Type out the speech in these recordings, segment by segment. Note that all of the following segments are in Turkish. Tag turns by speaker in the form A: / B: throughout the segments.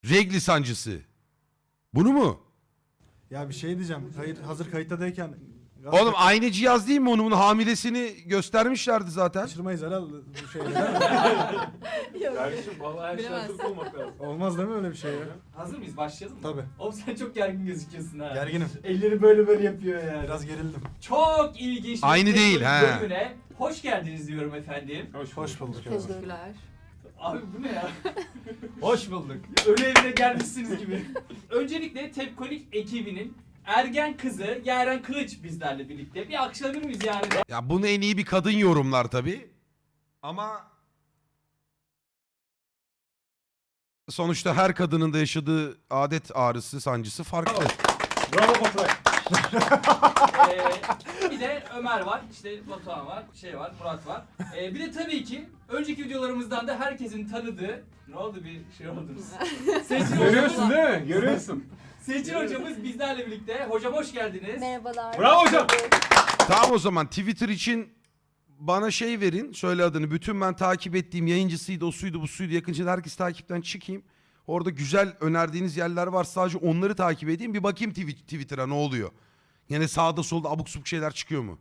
A: Regli sancısı. Bunu mu?
B: Ya bir şey diyeceğim. Hazır kayıttadayken
A: Oğlum aynı cihaz değil mi onun hamilesini göstermişlerdi zaten.
B: kaçırmayız herhalde bu şeyleri.
C: Kardeşim vallahi her şey hazır olmak lazım.
B: Olmaz değil mi öyle bir şey ya?
D: Hazır mıyız? Başlayalım mı?
B: Tabii.
D: Oğlum sen çok gergin gözüküyorsun ha.
B: Gerginim.
D: Elleri böyle yapıyor yani.
B: Biraz gerildim.
D: Çok ilginç bir
A: Aynı değil,
D: teknoloji
A: ha.
D: bölümüne hoş geldiniz diyorum efendim.
B: Hoş bulduk.
E: Teşekkürler.
D: Abi bu ne ya? Hoş bulduk. Ölü evine gelmişsiniz gibi. Öncelikle Tepkonik ekibinin ergen kızı Yaren Kılıç bizlerle birlikte. Bir alkışlayabilir miyiz Yaren'e?
A: Ya bunu en iyi bir kadın yorumlar tabii. Ama sonuçta her kadının da yaşadığı adet ağrısı, sancısı farklı.
C: Bravo Baturay.
D: Bir de Ömer var, işte Batuhan var, Murat var. Bir de tabii ki önceki videolarımızdan da herkesin tanıdığı... Ne oldu bir şey oldunuz? Seçil
C: Görüyorsun
D: hocamız,
C: değil mi? Görüyorsun.
D: Seçil hocamız bizlerle birlikte. Hocam hoş geldiniz.
E: Merhabalar.
C: Bravo hocam.
A: Tamam o zaman Twitter için bana şey verin. Söyle adını. Bütün ben takip ettiğim yayıncısıydı, o suydu, bu suydu. Yakınca herkes takipten çıkayım. Orada güzel önerdiğiniz yerler var. Sadece onları takip edeyim. Bir bakayım Twitter'a ne oluyor. Yine sağda solda abuk subuk şeyler çıkıyor mu?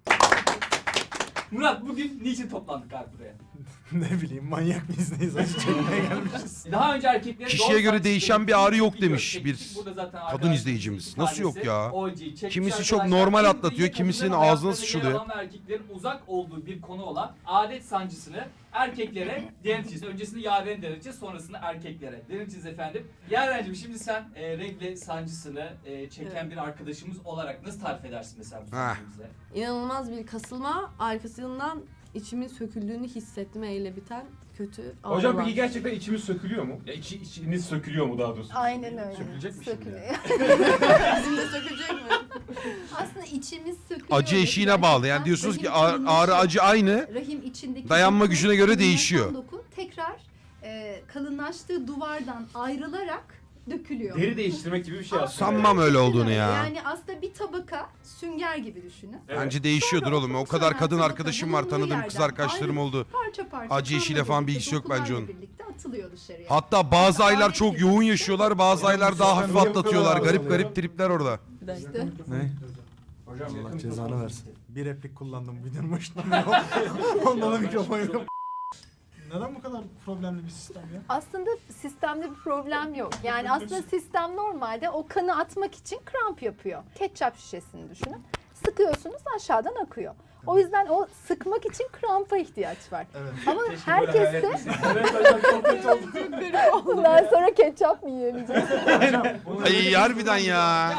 D: Murat bugün niçin toplandık abi buraya?
B: Ne bileyim manyak mıyız neyiz acı çekmeye gelmişiz.
D: Daha önce erkeklere
A: Kişiye
D: doğal
A: göre
D: saç
A: değişen
D: sistemi
A: bir ağrı yok
D: video
A: demiş
D: çektik.
A: bir
D: Burada zaten
A: kadın
D: arkadaşlarımızın
A: izleyicimiz.
D: iki
A: Nasıl yok
D: tanesi
A: ya?
D: OG çekmiş
A: Kimisi çok
D: arkadaşlar.
A: normal
D: En
A: atlatıyor,
D: büyük
A: kimisinin
D: kadınların
A: ağzına
D: hayatlarında yer
A: sıçrılıyor.
D: alan ve erkeklerin uzak olduğu bir konu olan adet sancısını erkeklere deneteceğiz. Öncesinde Yaren'e deneteceğiz, sonrasında erkeklere deneteceğiz efendim. Yaren'cim şimdi sen regle sancısını çeken bir arkadaşımız olarak nasıl tarif edersin mesela bu
A: Heh.
D: sancıyı bize?
E: İnanılmaz bir kasılma, arkasından içimin söküldüğünü hissetme ile biten kötü ağrılar.
C: Hocam peki gerçekten içimiz sökülüyor mu? Ya içiniz sökülüyor mu daha doğrusu?
F: Aynen öyle.
C: Sökülecek mi şimdi?
F: Sökülüyor.
E: Bizim de sökülecek mi?
F: Aslında içimiz sökülüyor.
A: Acı eşiğine bağlı. Yani diyorsunuz ki
F: Rahim
A: ağrı acı aynı.
F: Rahim içindeki
A: Dayanma
F: doku,
A: gücüne göre
F: kalınlaşan
A: değişiyor.
F: Doku tekrar kalınlaştığı duvardan ayrılarak dökülüyor.
C: Deri değiştirmek gibi bir şey aslında.
A: Sanmam öyle olduğunu ya.
F: Yani aslında bir tabaka sünger gibi düşünün.
C: Evet.
A: Bence değişiyordur
F: Sonra
A: oğlum. O
F: okursan
A: kadar kadın
F: tabaka
A: arkadaşım var,
F: bulunduğu
A: tanıdığım kız
F: yerden
A: arkadaşlarım
F: ayrı-
A: oldu.
F: Parça parça.
A: Acı eşiğiyle falan bir ilgisi yok bence
F: dokularla
A: onun.
F: birlikte atılıyor dışarıya.
A: Hatta bazı aylar çok yoğun yaşıyorlar, bazı aylar daha hafif
B: Hocam,
A: atlatıyorlar.
B: bu
A: Garip
B: kadar
A: garip tripler orada.
E: İşte.
B: Ne?
C: Hocam
B: Allah
C: yakın
B: cezanı
C: toplantı.
B: versin. Bir replik kullandım videonun başında. Ondan da mikrofon yok. Neden bu kadar problemli bir sistem ya?
F: Aslında sistemde bir problem yok. Yani aslında sistem normalde o kanı atmak için kramp yapıyor. Ketçap şişesini düşünün. Sıkıyorsunuz aşağıdan akıyor. O yüzden o sıkmak için krampa ihtiyaç var.
B: Evet.
F: Ama
C: Keşke böyle hayal
F: herkeste
C: etmeseydin. Evet hocam çok kötü oldu.
F: bundan sonra ketçap mı yiyemeyeceğiz?
A: Ay harbiden ya.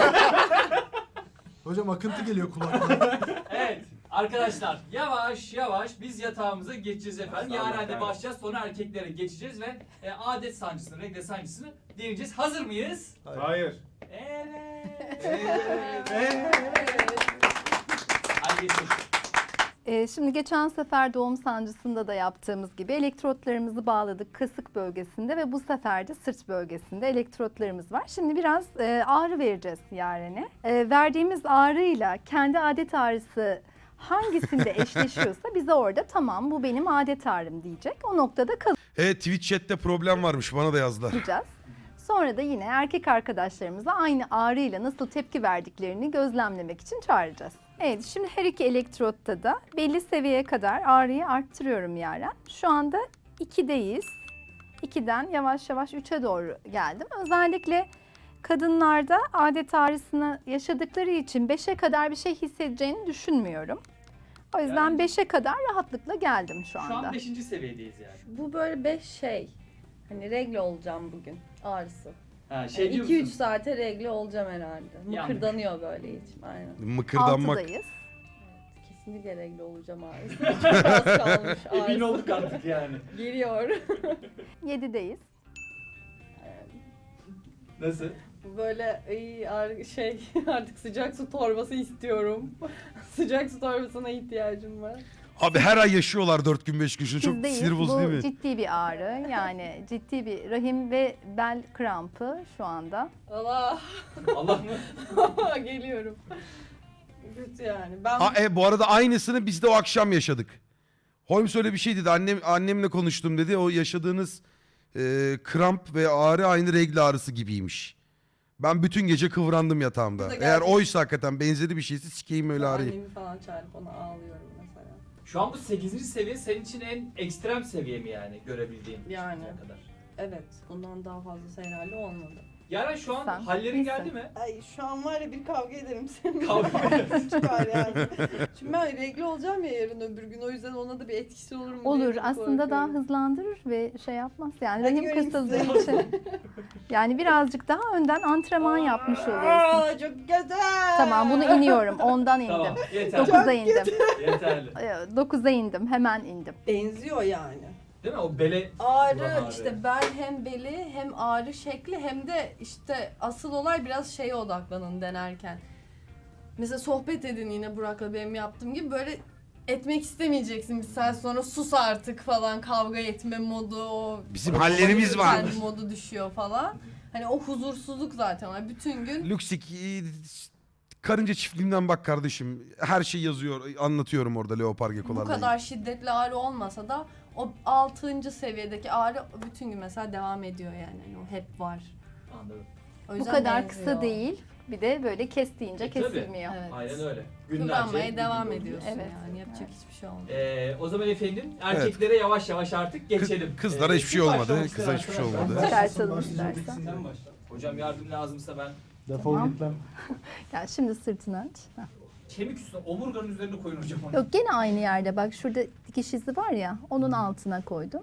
B: Hocam akıntı geliyor kulaklarına.
D: Evet arkadaşlar yavaş yavaş biz yatağımıza geçeceğiz efendim.
C: Sağ olun,
D: Yaren'de
C: evet.
D: başlayacağız, sonra erkeklere geçeceğiz ve adet sancısını, regle sancısını deneyeceğiz. Hazır mıyız?
C: Hayır.
D: Evet. Hadi geçelim.
F: Şimdi geçen sefer doğum sancısında da yaptığımız gibi elektrotlarımızı bağladık kasık bölgesinde ve bu sefer de sırt bölgesinde elektrotlarımız var. Şimdi biraz ağrı vereceğiz Yaren'e. Verdiğimiz ağrıyla kendi adet ağrısı hangisinde eşleşiyorsa bize orada tamam bu benim adet ağrım diyecek. O noktada
A: Evet Twitch chat'te problem varmış, bana da yazdılar.
F: kalacağız. Sonra da yine erkek arkadaşlarımıza aynı ağrıyla nasıl tepki verdiklerini gözlemlemek için çağıracağız. Evet, şimdi her iki elektrotta da belli seviyeye kadar ağrıyı arttırıyorum Yaren. Şu anda 2'deyiz. 2'den yavaş yavaş 3'e doğru geldim. Özellikle kadınlarda adet ağrısını yaşadıkları için 5'e kadar bir şey hissedeceğini düşünmüyorum. O yüzden
D: Yani-
F: 5'e kadar rahatlıkla geldim şu
D: Şu
F: anda.
D: an 5. seviyedeyiz yani.
G: Bu böyle 5 şey. Hani regle olacağım bugün ağrısı.
D: Ha, şey diyor
G: 2-3
D: musun?
G: saate regle olacağım herhalde.
D: Yandık.
G: Mıkırdanıyor böyle içim. Aynen.
A: Mıkırdanmak.
F: 6'dayız.
G: Kesinlikle regle olacağım ağrısı. Çok az kalmış
D: Emin
G: ağrısı.
D: olduk artık yani.
G: Geliyor.
F: 7'deyiz.
D: Nasıl?
G: Böyle şey artık sıcak su torbası istiyorum. Sıcak su torbasına ihtiyacım var.
A: Abi her ay yaşıyorlar 4 gün 5 gün. Şunu çok
F: Bizdeyiz.
A: sinir bozucu
F: Bu
A: değil mi?
F: ciddi bir ağrı. Yani ciddi bir rahim ve bel krampı şu anda.
G: Allah
D: Allah mı?
G: geliyorum. Kötü yani. Ben
A: Bu arada aynısını biz de o akşam yaşadık. Holmes öyle bir şey dedi. Annemle konuştum dedi. O yaşadığınız kramp ve ağrı aynı regl ağrısı gibiymiş. Ben bütün gece kıvrandım yatağımda.
G: Bu da
A: Eğer
G: gerçekten-
A: oysa hakikaten benzeri bir şeyse sikeyim öyle ağrıyı.
G: Annemi falan çağırıp ona ağlıyorum mesela.
D: Şu an bu 8. seviye senin için en ekstrem seviye mi yani görebildiğin
G: Yani.
D: şimdiye kadar?
G: Evet, bundan daha fazlası herhalde olmadı.
D: Yaren şu an
F: Sen
D: hallerin
F: iyisin.
D: geldi mi?
G: Ay şu an var ya bir kavga ederim seninle.
D: Kavga
G: Çıkar yani. Şimdi ben regle olacağım ya yarın öbür gün, o yüzden ona da bir etkisi olur mu diye
F: Olur
G: çok
F: aslında daha
G: korkuyorum.
F: hızlandırır ve şey yapmaz. Yani
G: Hadi
F: rahim
G: göreyim
F: kasıldığı
G: sizi.
F: için. Yani birazcık daha önden antrenman yapmış oluyorsun.
G: Aa, çok güzel.
F: Tamam bunu iniyorum. Ondan indim.
D: Tamam yeterli.
F: 9'a indim.
D: Yeterli.
F: 9'a indim. Hemen indim.
G: Benziyor yani.
D: Değil mi? O bele
G: Ağrı,
D: Ulan ağrı.
G: işte bel hem beli hem ağrı şekli hem de işte asıl olay biraz şeye odaklanın denerken. Mesela sohbet edin yine Burak'la benim yaptığım gibi, böyle etmek istemeyeceksin bir saat sonra, sus artık falan, kavga etme modu, o
A: Bizim hallerimiz var.
G: kendi modu düşüyor falan. Hani o huzursuzluk zaten var bütün gün.
A: Luxik karınca çiftliğinden bak kardeşim. Her şey yazıyor. Anlatıyorum orada leopar
G: Bu
A: gekolarla.
G: kadar şiddetli ağrı olmasa da o 6. seviyedeki ağrı bütün gün mesela devam ediyor yani. Yani o hep var.
D: anladım.
G: O
F: Bu
G: yüzden
F: kadar
G: benziyor.
F: kısa değil. Bir de böyle kes deyince
D: Tabii.
F: kesilmiyor.
G: Evet.
D: Aynen öyle.
G: Kıvranmaya
D: bir
G: devam
D: gün boyunca.
G: ediyorsun
F: Evet.
G: yani. Yapacak hiçbir şey olmuyor.
D: O zaman efendim erkeklere yavaş yavaş artık geçelim.
A: Kızlara hiçbir şey
D: kim
A: olmadı.
D: başlamak
A: Kıza
D: ister
A: hiçbir şey
D: arkadaşlar?
A: olmadı.
F: Çıkartalım istersen.
D: Sen başla. Hocam yardım lazımsa ben
B: Defol
F: Tamam.
B: git lan.
F: Yani şimdi sırtını aç. Heh.
D: kemik üstüne omurganın üzerine koyun hocam onu.
F: Yok gene aynı yerde. Bak şurada dikiş izi var ya. Onun altına koydum.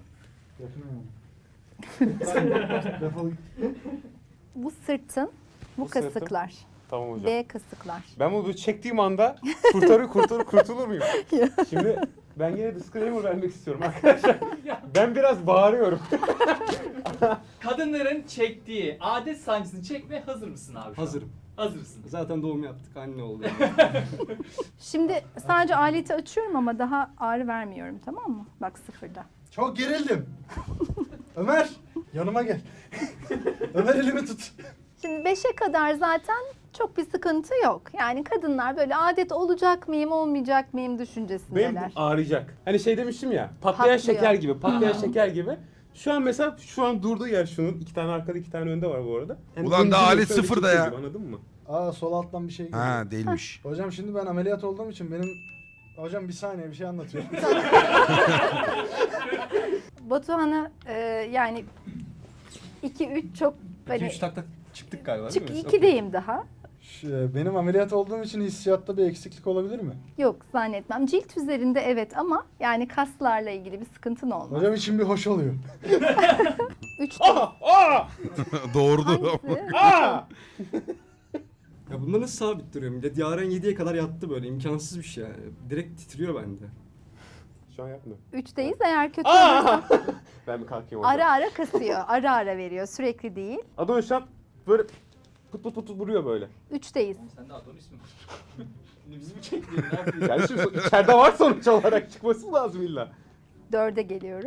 B: Defol git.
F: Bu sırtın, bu
H: Bu sırtın.
F: kasıklar.
H: Tamam hocam.
F: B kasıklar.
H: Ben bunu böyle çektiğim anda kurtulur muyum? Şimdi ben yine disclaimer vermek istiyorum arkadaşlar. Ben biraz bağırıyorum.
D: Kadınların çektiği adet sancısını çekmeye hazır mısın abi? şu an?
I: Hazırım.
D: Hazırsın.
I: Zaten doğum yaptık, anne oldu.
F: Şimdi sadece aleti açıyorum ama daha ağrı vermiyorum, tamam mı? Bak sıfırda.
B: Çok gerildim. Ömer yanıma gel. Ömer elimi tut.
F: Şimdi 5'e kadar zaten çok bir sıkıntı yok. Yani kadınlar böyle adet olacak mıyım, olmayacak mıyım
H: Benim
F: düşüncesindeler.
H: ağrıyacak. Hani şey demiştim ya, patlayan
F: Patlıyor.
H: şeker gibi, şeker gibi. Şu an mesela durduğu yer şunun. 2 tane arkada 2 tane önde var bu arada. Yani
A: Ulan daha
H: zincir
A: alet
H: öyle
A: sıfırda
H: çekiyor
A: ya.
H: gibi, anladın mı?
B: Aa sol alttan bir şey geliyor.
A: Ha değilmiş.
B: Hocam şimdi ben ameliyat olduğum için benim... Hocam bir saniye bir şey anlatıyorum.
F: Batuhan'a yani 2-3 çok hani
I: 2-3 takla çıktık galiba
F: çık
I: değil mi?
F: 2'deyim daha.
B: Benim ameliyat olduğum için hissiyatta bir eksiklik olabilir mi?
F: Yok zannetmem. Cilt üzerinde evet ama yani kaslarla ilgili bir sıkıntın olmaz.
B: Hocam için bir hoş oluyor.
F: 3
A: Doğurdu.
F: hangisi?
H: Aa!
I: Ya bunda nasıl sabit duruyor millet? Yaren 7'ye kadar yattı böyle, imkansız bir şey yani. Direkt titriyor bende.
H: Şu an yapmıyor.
F: 3'teyiz eğer kötü olursa
H: Aa! Ben bir kalkayım
F: ara ara kasıyor. Ara ara veriyor. Sürekli değil.
H: Adonis şu an böyle put vuruyor böyle.
F: 3'teyiz.
D: Sen de Adonis mi? Şimdi bizi mi çektiğin ne yapıyorsun?
H: Yani şimdi içeride var sonuç olarak, çıkması lazım illa.
F: 4'e geliyorum.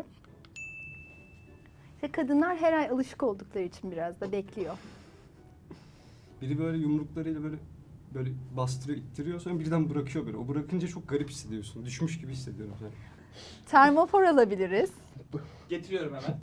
F: İşte kadınlar her ay alışık oldukları için biraz da bekliyor.
I: Biri böyle yumruklarıyla böyle bastırıyor, ittiriyor, sonra birden bırakıyor böyle. O bırakınca çok garip hissediyorsun. Düşmüş gibi hissediyorum yani.
F: Termofor alabiliriz.
D: Getiriyorum hemen.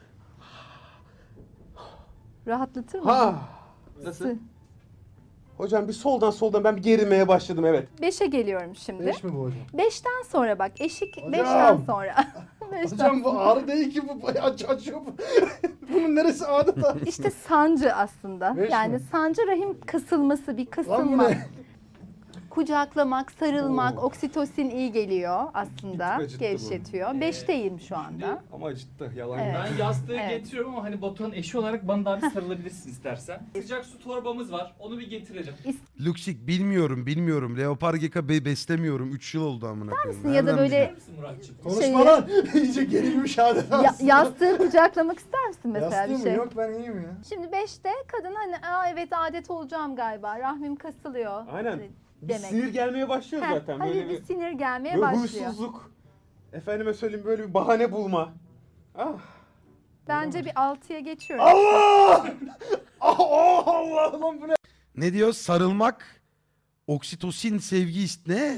F: Rahatlatır mı?
H: Ha! Nasıl? Hocam bir soldan ben bir gerilmeye başladım, evet.
F: 5'e geliyorum şimdi.
B: 5 mi bu hocam?
F: 5'ten sonra bak eşik
B: Hocam!
F: 5'ten sonra. 5'ten
B: Hocam bu ağrı değil ki bu bayağı açıyor bu. Bunun neresi adeta?
F: İşte sancı aslında.
B: Beş
F: Yani
B: mi?
F: sancı rahim kasılması, bir
B: Lan bu
F: kasılma.
B: ne?
F: Kucaklamak, sarılmak,
B: Oo.
F: oksitosin iyi geliyor aslında.
I: Bir tık acıttı bu.
F: Gevşetiyor. 5'teyim şu anda.
I: Ama acıttı, yalan
F: Evet.
I: yok.
D: Ben yastığı
F: Evet.
D: getiriyorum ama hani Batuhan eşi olarak bana daha bir sarılabilirsin istersen. Sıcak su torbamız var. Onu bir getirelim.
A: Luxik bilmiyorum. Leopar geka beslemiyorum. 3 yıl oldu amına koyayım.
F: Ya da
A: Nereden
F: böyle-
D: Bilir misin Muratçığım?
B: Konuşma
F: Şeyi-
B: lan. İyice gerilmiş adeta.
F: Yastığı kucaklamak ister misin mesela
B: Yastığım
F: bir
B: mı?
F: şey?
B: Yok ben iyiyim ya.
F: Şimdi 5'te kadın hani evet adet olacağım galiba. Rahmim kasılıyor.
H: Aynen.
F: Hani
H: Bir
F: demek.
H: sinir gelmeye başlıyor
F: Heh,
H: zaten.
F: hafif
H: Böyle
F: bir
H: bir
F: sinir gelmeye
H: böyle
F: başlıyor.
H: huysuzluk. Efendime söyleyeyim, böyle bir bahane bulma. Ah.
F: Bence bir 6'ya geçiyorum.
B: Allah! Allah lan bu ne?
A: Ne diyor? Sarılmak, oksitosin, ne?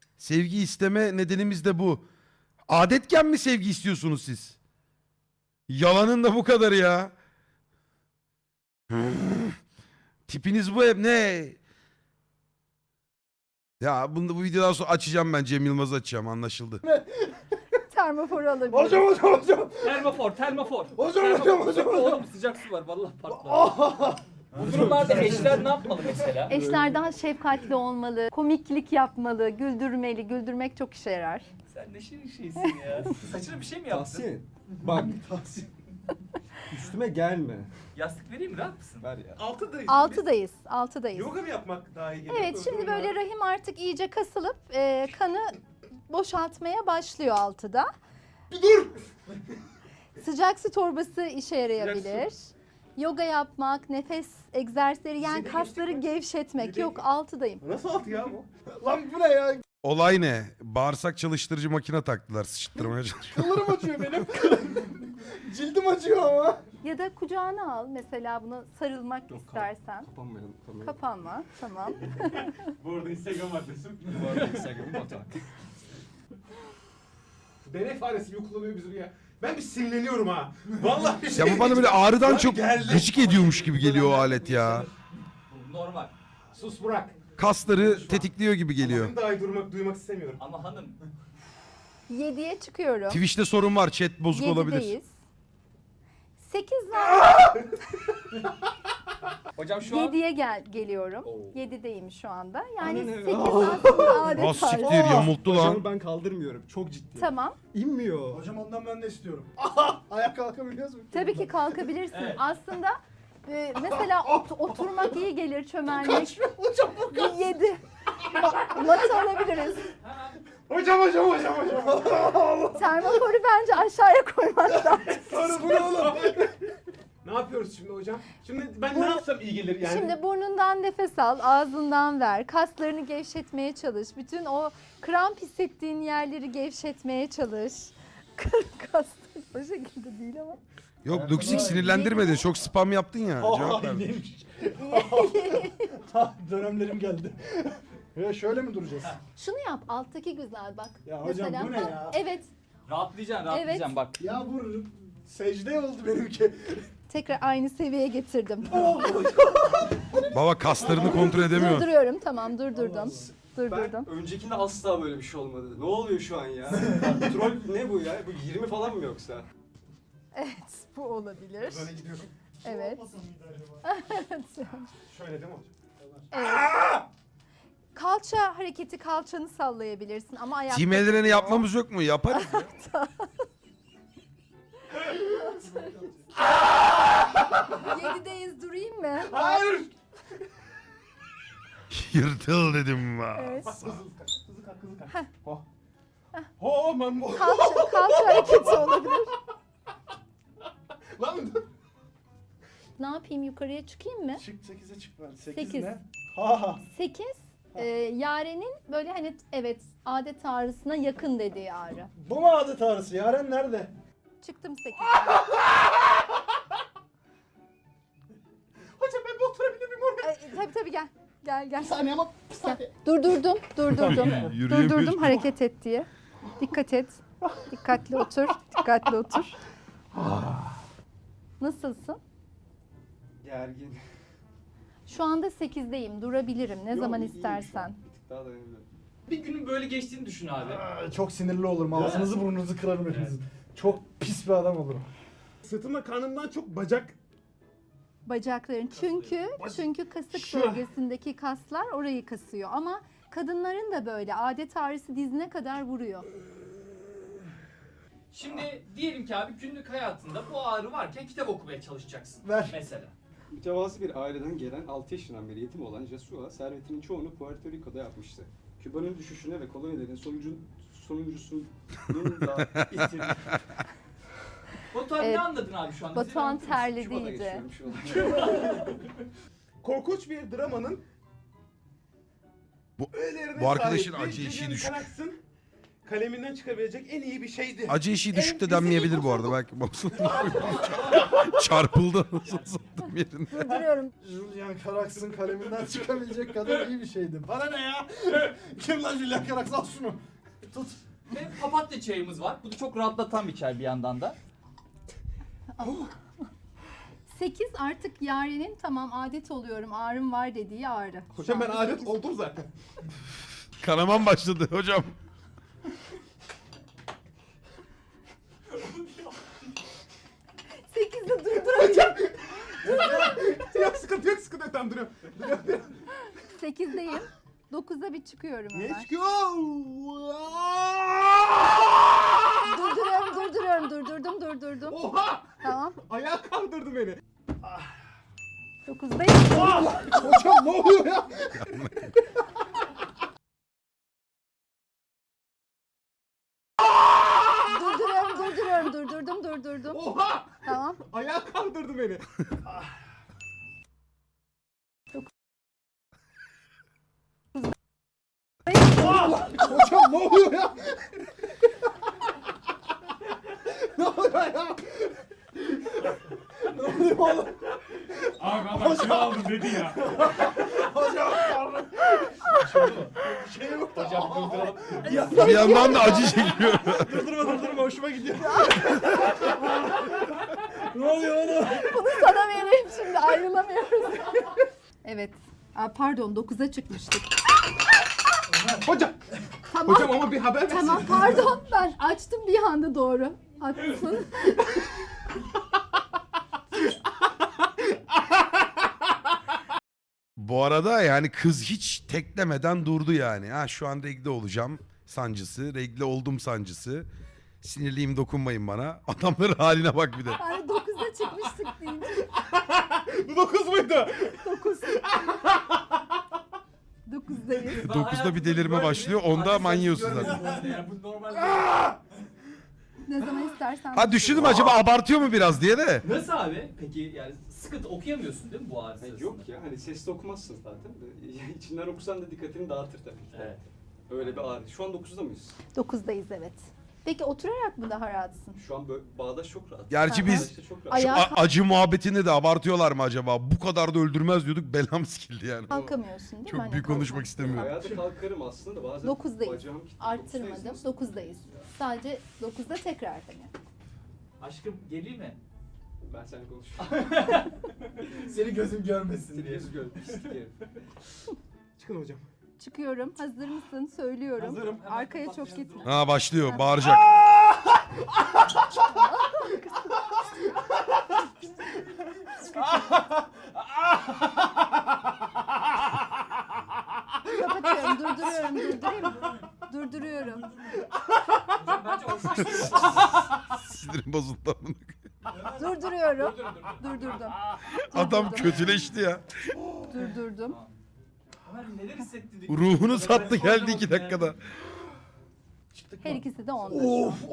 A: Sevgi isteme nedenimiz de bu. Adetken mi sevgi istiyorsunuz siz? Yalanın da bu kadar ya. Tipiniz bu hep ne? Ya bu videodan sonra açacağım ben. Cem Yılmaz'ı açacağım, anlaşıldı.
F: Termofor alabiliriz.
B: Hocam.
D: Termofor, termofor.
B: Hocam.
D: Oğlum sıcak su var vallahi patlar. Bu durumlarda eşler ne yapmalı mesela?
F: Eşler daha şefkatli olmalı, komiklik yapmalı, güldürmeli. Güldürmek çok işe yarar.
D: Sen ne şirin şeysin ya. Saçına bir şey mi yaptın?
I: Tahsin. Bak. Üstüme gelme.
D: Yastık vereyim mi? Rahat mısın?
I: Ver ya.
F: Altıdayız.
C: Yoga mı yapmak daha iyi geliyor?
F: Evet, şimdi böyle rahim artık iyice kasılıp kanı boşaltmaya başlıyor altıda.
C: Dur!
F: Sıcak su torbası işe yarayabilir. Yoga yapmak, nefes egzersizleri, yani kasları gevşetmek. Yok, altıdayım.
C: Nasıl altı ya bu?
B: Lan bu ne ya?
A: Olay ne? Bağırsak çalıştırıcı makine taktılar. Sıçtırmaya çalışıyor.
B: Kıllarım acıyor benim. Cildim acıyor ama.
F: Ya da kucağına al mesela, bunu sarılmak istersen.
I: Kapanmayalım.
F: Kapanma, tamam.
C: Bu arada Instagram adresim.
I: Bu arada Instagram'ı Batuhan.
C: Deney faresi gibi kullanıyor bizim ya. Ben bir sinirleniyorum ha. Vallahi bir şey.
A: Ya bu bana böyle ağrıdan
C: Lan
A: çok
C: geldi.
A: gıcık ediyormuş gibi geliyor o alet ya.
D: Normal.
C: Sus Burak.
A: Kasları tetikliyor gibi geliyor.
C: Benim daha iyi duymak istemiyorum.
D: Ama hanım
F: 7'ye çıkıyorum.
A: Twitch'te sorun var. Chat bozuk olabilir.
F: 7'deyiz. 8 var.
D: hocam şu an
F: 7'ye geliyorum.
D: Oo.
F: 7'deyim şu anda. Yani
I: Anne ne?
F: 8 aslında adet
A: Az
F: tarzı.
A: siktir yamulttu lan.
I: Hocamı ben kaldırmıyorum. Çok ciddi.
F: Tamam.
I: İnmiyor.
B: Hocam ondan ben de istiyorum. Ayak kalkabiliyoruz mu?
F: Tabii ki kalkabilirsin.
D: Evet.
F: Aslında mesela oturmak iyi gelir, çömelmek.
B: Hocam bu
F: 7. Matı alabiliriz.
C: Hocam.
F: Termoforu bence aşağıya koymak lazım.
C: Sonra bu ne oğlum? Ne yapıyoruz şimdi hocam? Şimdi ben ne yapsam iyi gelir yani?
F: Şimdi burnundan nefes al, ağzından ver. Kaslarını gevşetmeye çalış. Bütün o kramp hissettiğin yerleri gevşetmeye çalış. Kaslar o şekilde değil ama.
A: Yok Luxik sinirlendirmedi. Çok spam yaptın ya. Cevap ver.
B: neymiş? Dönemlerim geldi. Ya şöyle mi duracağız?
F: Şunu yap, alttaki güzel bak.
B: Ya hocam bu ne ya?
F: Evet,
D: rahatlayacaksın bak.
B: Ya bu secde oldu benimki.
F: tekrar aynı seviyeye getirdim.
A: Baba kaslarını kontrol edemiyor.
F: Durduruyorum, tamam durdurdum. Durdurdum.
I: Ben öncekinde asla böyle bir şey olmadı. Ne oluyor şu an ya? Troll ne bu ya? Bu 20 falan mı yoksa?
F: Evet, bu olabilir.
C: Böyle gidiyorum.
F: Evet.
C: Şöyle değil mi hocam?
F: Evet. Kalça hareketi, kalçanı sallayabilirsin ama ayakta...
A: Team Elren'i yapmamız yok mu? Yaparız.
F: 7'deyiz, durayım mı?
C: Hayır!
A: Yırtıl dedim va.
F: Evet.
C: Hızlı kalk. Oh ben bu.
F: Kalça hareketi olabilir.
C: Lan
F: Ne yapayım, yukarıya çıkayım mı?
B: Çık 8'e çık ben. 8
F: Sekiz.
B: ne? Ha.
F: 8, Yaren'in böyle hani evet adet ağrısına yakın dediği ağrı.
B: Bu mu adet ağrısı? Yaren nerede?
F: Çıktım 8.
C: hocam ben bir oturabilir miyim oraya?
F: Tabii gel. Gel.
B: Saniye ama bir saniye.
F: Durdurdum.
A: Yürüyemiyor.
F: Durdurdum hareket et diye. Dikkat et. Dikkatli otur. Nasılsın?
I: Gergin.
F: Şu anda 8'deyim. Durabilirim ne
I: Yok,
F: zaman
I: iyiyim şu
F: istersen.
I: an. Bir tık daha dayanabiliyorum.
D: Bir günün böyle geçtiğini düşün abi.
B: Çok sinirli olurum. Ağzınızı burnunuzu kırarım hepinizin. Çok pis bir adam olurum.
C: Sırtımda karnımdan çok bacak.
F: Bacakların. Çünkü kasık
C: Şu.
F: bölgesindeki kaslar orayı kasıyor. Ama kadınların da böyle adet ağrısı dizine kadar vuruyor.
D: Şimdi diyelim ki abi günlük hayatında bu ağrı varken kitap okumaya çalışacaksın.
B: Ver.
D: Mesela.
I: Mütevazı bir aileden gelen 6 yaşından beri yetim olan Jesua, servetinin çoğunu Puerto Rico'da yapmıştı. Küba'nın düşüşüne ve kolonilerin sonuncusunun da itirdi.
D: Batuhan ne anladın abi şu anda?
F: Batuhan
D: Bize anlatır mısın?
I: Küba'da
F: terlediydi.
I: geçiyorum şu an.
C: Korkunç bir dramanın
A: Bu-
C: öğelerine
A: bu arkadaşın
C: sahip ve
A: acı eşiği
C: Julian
A: düşük.
C: Carax'ın kaleminden çıkabilecek en iyi bir şeydi.
A: Acı eşiği düşük de denmeyebilir bu arada. Belki babasının çarpıldı. Nasıl sattım yerinde.
F: Durduruyorum.
B: Julian Carax'ın kaleminden çıkabilecek kadar iyi bir şeydi. Bana ne ya? Kim lan Julian Carax? Al şunu. Tut.
D: Ve papatya çayımız var. Bu da çok rahatlatan bir çay bir yandan da.
F: 8 artık Yaren'in tamam adet oluyorum ağrım var dediği ağrı.
C: Hocam ben
F: Şu anda
C: adet
F: 8.
C: oldum zaten.
A: Kanaman başladı hocam.
F: Sekizde durduracağım.
C: Yok sıkıntı yok sıkıntı yok. Tamam duruyorum.
F: 8'deyim. 9'da bir çıkıyorum hemen.
C: Ne çıkıyor?
F: Durdurdum.
C: Oha!
F: Tamam.
C: Ayağa kaldırdı beni.
F: 9'dayım.
C: Hocam ne oluyor ya?
F: Durdurdum.
C: Oha!
F: Tamam.
C: Ayağa kaldırdı beni. Hocam ne oluyor ya? Ne oluyor ya? Ne oluyor oğlum?
H: Abi adam kilo aldım dedi ya.
C: Hocam pardon. Bir şey yok da.
D: Hocam durduralım.
A: Bir yandan da acı çekiyor.
C: Durdurma hoşuma gidiyor. Ne oluyor oğlum?
F: Bunu sana vereyim şimdi ayrılamıyoruz. Evet. Pardon 9'a çıkmıştık.
C: Hocam.
F: Tamam.
C: Hocam ama bir haber versin.
F: Tamam pardon ben açtım bir anda doğru. Haklısın.
A: Bu arada yani kız hiç teklemeden durdu yani. Ha şu an regle olacağım sancısı, regle oldum sancısı. Sinirliyim dokunmayın bana. Adamların haline bak bir de.
F: Yani 9'a çıkmıştık deyince.
C: Bu 9 muydu?
F: 9. 9'dayız.
A: 9'da bir delirme başlıyor. Onda manyıyorsun zaten.
D: Yani bu normal.
F: Ne zaman istersen.
A: Ha düşündüm acaba abartıyor mu biraz diye de.
D: Nasıl abi? Peki yani sıkıntı okuyamıyorsun değil mi bu ağrı sırasında?
I: Yok ya hani sesli okumazsın zaten. İçinden okusan da dikkatini dağıtır tabii ki.
D: Evet.
I: Öyle bir ağrı. Şu an 9'da mıyız?
F: 9'dayız evet. Peki oturarak mı daha rahatsın?
I: Şu an böyle bağdaş çok rahat.
A: Gerçi biz
I: Bağdaşta çok rahat.
F: Ayağa
A: acı muhabbetinde de abartıyorlar mı acaba? Bu kadar da öldürmez diyorduk. Belam sikildi yani.
F: kalkamıyorsun değil mi?
A: Çok
F: Hani
A: büyük konuşmak
F: kalkmak.
A: istemiyorum.
I: Ayağa da kalkarım aslında da bazen
F: 9'dayız.
I: bacağım kilitli.
F: Arttırmadım.
I: 9'dayız.
F: 9'dayız. Sadece 9'da tekrar hani.
D: Aşkım geleyim mi?
I: Ben seninle konuşuyorum.
C: Seni gözüm görmesin
I: Seni
C: diye.
I: yüz gör. pislik herif.
C: Çıkın hocam.
F: Çıkıyorum. Hazır mısın? Söylüyorum.
C: Hazırım.
F: Arkaya çok gitme.
A: Ha başlıyor bağıracak.
F: Kapatıyorum. Durduruyorum.
D: Hocam bence hoşuna gidiyor.
A: Sinirim bozuldu.
F: Durduruyorum.
D: Dur.
F: Durdurdum.
A: Adam kötüleşti ya.
F: Durdurdum.
D: Ömer neler hissettirdik?
A: Ruhunu sattı geldi 2 dakikada.
F: Her ikisi de 10'da.
B: Of.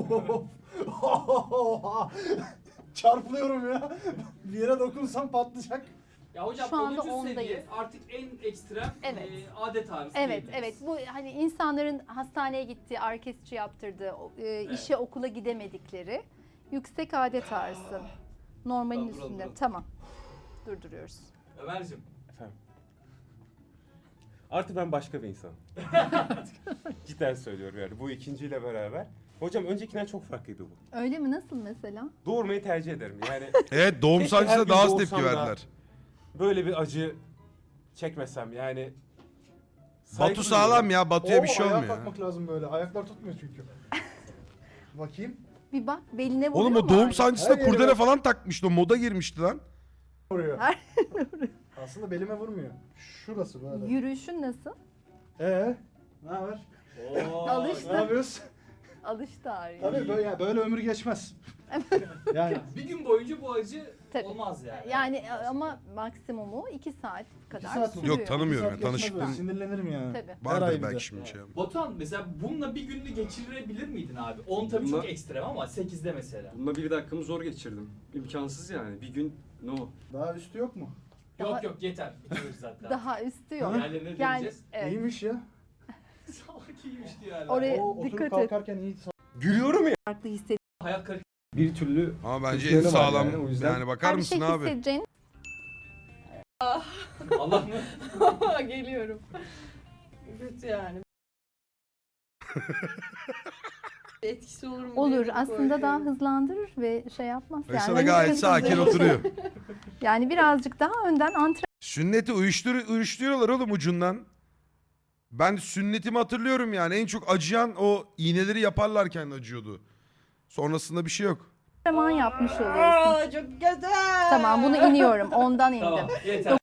B: Çarpılıyorum ya. Bir yere dokunsam patlayacak.
D: Ya hocam
F: Şu anda
D: 10. seviye
F: ondayız.
D: artık en ekstrem
F: Evet.
D: adet ağrısı
F: Evet,
D: diyebiliriz.
F: Bu hani insanların hastaneye gittiği, ağrı kesici yaptırdığı, işe okula gidemedikleri yüksek adet ağrısı. Normalin
I: Tamam,
F: üstünde.
I: duralım.
F: Tamam. Durduruyoruz.
D: Ömer'cim
H: Efendim. Artık ben başka bir insanım. Cidden söylüyorum yani bu ikinciyle beraber. Hocam öncekinden çok farklıydı bu.
F: Öyle mi? Nasıl mesela?
H: Doğurmayı tercih ederim. Yani
A: Evet doğum
H: Keşke her
A: sancısına
H: gün
A: daha az
H: doğursam
A: tepki
H: da
A: verdiler.
H: böyle bir acı çekmesem yani.
A: Batu sağlam ya. Batu'ya bir şey
B: ayağa
A: olmuyor. ya.
B: kalkmak lazım böyle. Ayaklar tutmuyor çünkü. Bakayım.
F: Bir bak beline vuruyor
A: Oğlum
F: mu
A: o doğum
F: ağrı?
A: sancısında
B: Her yere
A: kurdele
B: bak.
A: falan takmıştı. O moda girmişti lan.
B: Vuruyor.
F: Her-
B: Aslında belime vurmuyor. Şurası böyle.
F: Yürüyüşün nasıl?
B: Ne haber?
D: Oo,
B: Ne
F: Alıştı.
B: yapıyoruz?
F: Alıştı ağrıya.
B: Tabii böyle, böyle ömür geçmez. Yani
D: bir gün boyunca bu acı
F: Tabii.
D: olmaz yani.
F: Yani ama maksimumu 2 saat kadar
B: saat mi?
F: sürüyor.
A: Yok tanımıyorum
B: saat
A: yani
B: geçmez böyle,
A: tanışıklığım
B: sinirlenirim yani.
F: Tabii.
B: Her ay
A: vardır
B: bir de.
A: belki şimdi şey.
D: Batuhan mesela bununla bir gününü geçirebilir miydin abi? 10 tabii
I: Bununla-
D: çok ekstrem ama 8'de mesela.
I: Bununla 1 dakikamı zor geçirdim. İmkansız yani. Bir gün no.
B: Daha üstü yok mu?
F: Daha-
D: Yok yeter. Bitiriyoruz zaten.
F: Daha üstü yok.
D: Diğerlerine
F: Yani
D: deneyeceğiz.
F: evet.
B: İyiymiş ya.
D: Salak iyiymiş diyor hala.
F: Oraya
B: O oturup
F: dikkat et.
B: kalkarken iyi.
H: Gülüyorum ya.
F: Farklı hisset.
D: Hayal kırıklığı.
I: Bir türlü
A: Ama bence
I: Türkiye'de
A: en
I: var
A: sağlam
I: yani, o yüzden.
A: yani bakar
F: Her bir
A: mısın
F: şey
A: abi?
F: hissedeceğin
D: Allah mı?
G: Geliyorum. Kötü yani. Etkisi olur mu?
F: Olur.
G: diye de
F: Aslında daha
G: korkuyorum.
F: hızlandırır ve şey yapmaz.
A: Mesela
F: hani
A: gayet
F: hızlı-
A: sakin oturuyor.
F: Yani birazcık daha önden
A: Sünneti uyuşturuyorlar oğlum ucundan. Ben sünnetimi hatırlıyorum yani. En çok acıyan o iğneleri yaparlarken acıyordu. Sonrasında bir şey yok.
F: antrenman yapmış oluyorsun.
G: Aa, çok güzel.
F: Tamam bunu iniyorum. Ondan indim.
D: Tamam yeter.